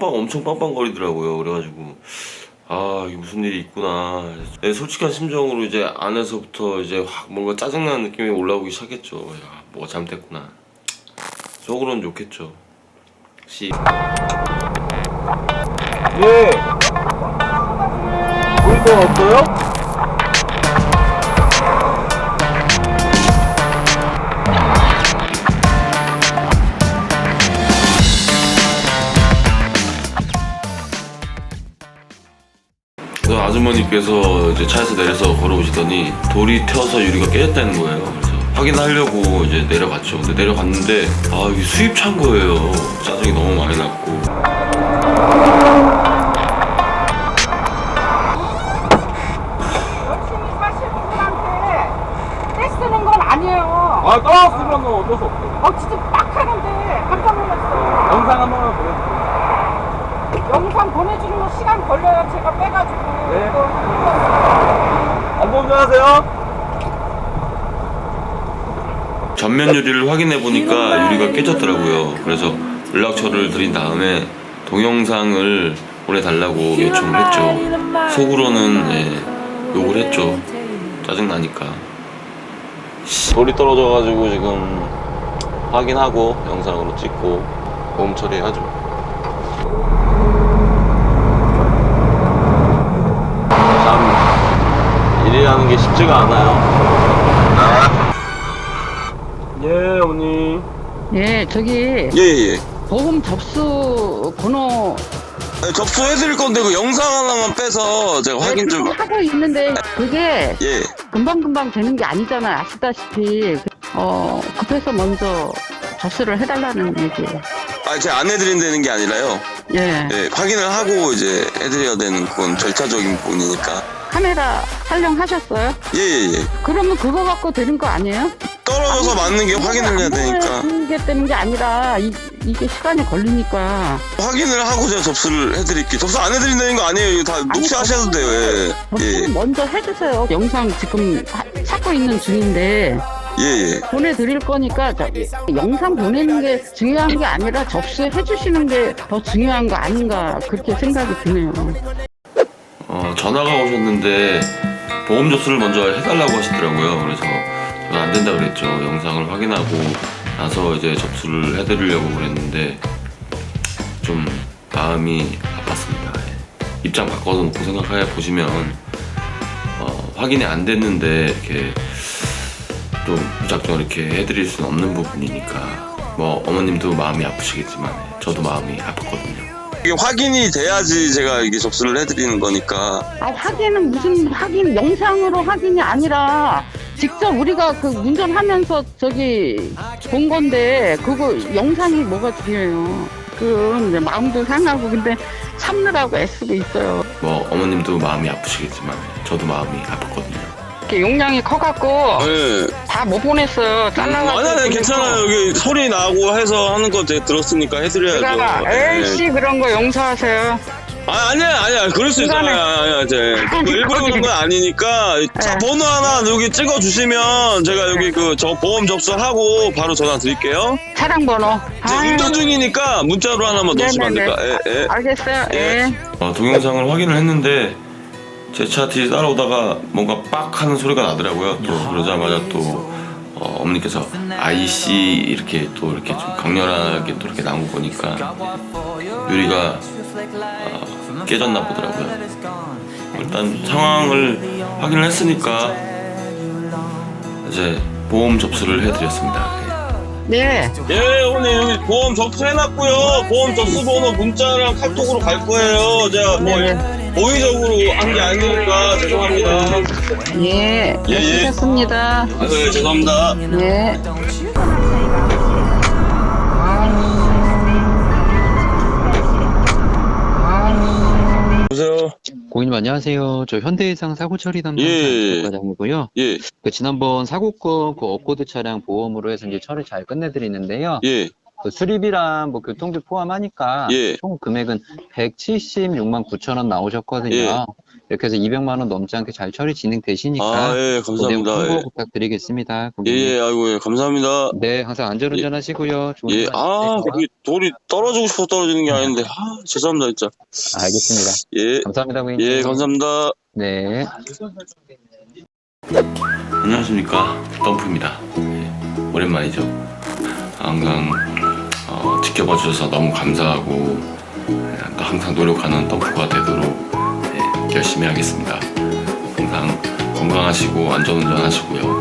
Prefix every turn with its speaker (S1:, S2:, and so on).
S1: 엄청 빵빵거리더라고요. 그래가지고 아, 이게 무슨 일이 있구나. 네, 솔직한 심정으로 이제 안에서부터 이제 확 뭔가 짜증나는 느낌이 올라오기 시작했죠. 야, 뭐가 잘못됐구나. 속으로는 좋겠죠.
S2: 예. 물건 없어요?
S1: 그 아주머니께서 이제 차에서 내려서 걸어오시더니 돌이 튀어서 유리가 깨졌다는 거예요. 그래서 확인하려고 이제 내려갔죠. 근데 내려갔는데 아, 이게 수입차인 거예요. 짜증이 너무 많이 났고.
S3: 열심히 사실 분한테 떼쓰는 건 아니에요.
S2: 아, 따라쓰면 어쩔 수 없어요.
S3: 진짜 막 하는데 깜짝 놀랐어요.
S2: 영상 한 번만 보여주세요.
S3: 영상 보내주는 거 시간 걸려요. 제가 빼가지고.
S2: 네.
S3: 이거
S2: 안보 운전하세요.
S1: 전면 유리를 확인해 보니까 유리가 깨졌더라고요. 그래서 연락처를 드린 다음에 동영상을 보내달라고 요청을 했죠. 속으로는 욕을 했죠. 짜증나니까. 돌이 떨어져가지고 지금 확인하고 영상으로 찍고 보험 처리하죠. 참 일이라는 게 쉽지가 않아요.
S2: 예, 어머니.
S4: 예, 저기
S1: 예예.
S4: 보험 접수 번호
S1: 접수해드릴 건데 그 영상 하나만 빼서 제가 확인 좀.
S4: 하고 있는데 그게
S1: 예.
S4: 금방금방 되는 게 아니잖아요. 아시다시피 급해서 먼저 접수를 해달라는 얘기예요.
S1: 아, 제가 안 해드린다는 게 아니라요.
S4: 예,
S1: 예, 확인을 하고 이제 해드려야 되는 그건 절차적인 부분이니까.
S4: 카메라 촬영하셨어요?
S1: 예예예.
S4: 그러면 그거 갖고 되는 거 아니에요?
S1: 떨어져서 맞는 게 확인을 해야 되니까.
S4: 그게 되는 게 아니라 이게 시간이 걸리니까.
S1: 확인을 하고 제가 접수를 해드릴게요. 접수 안 해드린다는 거 아니에요. 이거 다 녹취하셔도 돼요. 예.
S4: 접수는
S1: 예.
S4: 먼저 해주세요. 영상 지금 찾고 있는 중인데.
S1: 예예.
S4: 보내드릴 거니까 영상 보내는 게 중요한 게 아니라 접수해 주시는 게 더 중요한 거 아닌가 그렇게 생각이 드네요.
S1: 전화가 오셨는데 보험 접수를 먼저 해달라고 하시더라고요. 그래서 저는 안 된다 그랬죠. 영상을 확인하고 나서 이제 접수를 해드리려고 그랬는데 좀 마음이 아팠습니다. 예. 입장 바꿔서 놓고 생각해 보시면 확인이 안 됐는데 이렇게 또 무작정 이렇게 해드릴 수는 없는 부분이니까 뭐 어머님도 마음이 아프시겠지만 저도 마음이 아팠거든요. 이게 확인이 돼야지 제가 이게 접수를 해드리는 거니까.
S4: 확인은 무슨 확인, 영상으로 확인이 아니라 직접 우리가 그 운전하면서 저기 본 건데 그거 영상이 뭐가 중요해요. 그 이제 마음도 상하고 근데 참느라고 애쓰고 있어요.
S1: 뭐 어머님도 마음이 아프시겠지만 저도 마음이 아팠거든요.
S4: 이렇게 용량이 커갖고
S1: 네.
S4: 다 못 보냈어요. 잘라가지고.
S1: 아니 괜찮아요. 여기 소리 나고 해서 하는 거 제가 들었으니까 해드려야죠.
S4: 그러니까 에이씨 그런 거 용서하세요.
S1: 아니야 그럴 수 있어요. 아니야 일부러 그런 건 아니니까 차 번호 하나 여기 찍어 주시면 제가 여기 그 저 보험 접수하고 바로 전화 드릴게요.
S4: 차량 번호.
S1: 이제 운전 중이니까 문자로 하나만 넣으시면 안 될까? 예.
S4: 알겠어요. 예.
S1: 동영상을 확인을 했는데 제 차 뒤에 따라오다가 뭔가 빡 하는 소리가 나더라고요. 또 그러자마자 또 어머니께서 IC 이렇게 또 이렇게 좀 강렬하게 또 이렇게 나온 거 보니까 유리가 깨졌나 보더라고요. 일단 상황을 확인을 했으니까 이제 보험 접수를 해드렸습니다.
S4: 네.
S1: 예, 어머니 여기 보험 접수해놨고요. 보험 접수 번호 문자랑 카톡으로 갈 거예요. 제가 뭐 고의적으로 한 게 아니니까 죄송합니다.
S4: 예. 수고하셨습니다.
S1: 네, 죄송합니다.
S4: 네.
S1: 보세요.
S5: 고객님 안녕하세요. 저 현대해상 사고 처리 담당
S1: 예.
S5: 과장이고요.
S1: 예,
S5: 지난번 사고건 그 업코드 차량 보험으로 해서 이제 처리 잘 끝내드리는데요.
S1: 예,
S5: 그 수리비랑 뭐 교통비 포함하니까
S1: 예.
S5: 총 금액은 176만 9천 원 나오셨거든요.
S1: 예.
S5: 이렇게 해서 200만 원 넘지 않게 잘 처리 진행되시니까
S6: 아, 예,
S5: 그 내용
S6: 감사합니다.
S5: 참고
S6: 예.
S5: 부탁드리겠습니다.
S6: 예,
S5: 고객님.
S6: 예, 아이고, 예, 감사합니다.
S5: 네, 항상 안전운전하시고요. 좋은
S6: 예,
S5: 시간
S6: 아,
S5: 되세요.
S6: 거기 돌이 떨어지고 싶어서 떨어지는 게 아닌데, 아, 죄송합니다, 진짜.
S5: 알겠습니다.
S6: 예,
S5: 감사합니다, 고객님.
S6: 예, 감사합니다.
S5: 네.
S1: 안녕하십니까, 덤프입니다. 예, 오랜만이죠. 항상 지켜봐 주셔서 너무 감사하고 또 항상 노력하는 덤프가 되도록 열심히 하겠습니다. 항상 건강하시고 안전운전 하시고요.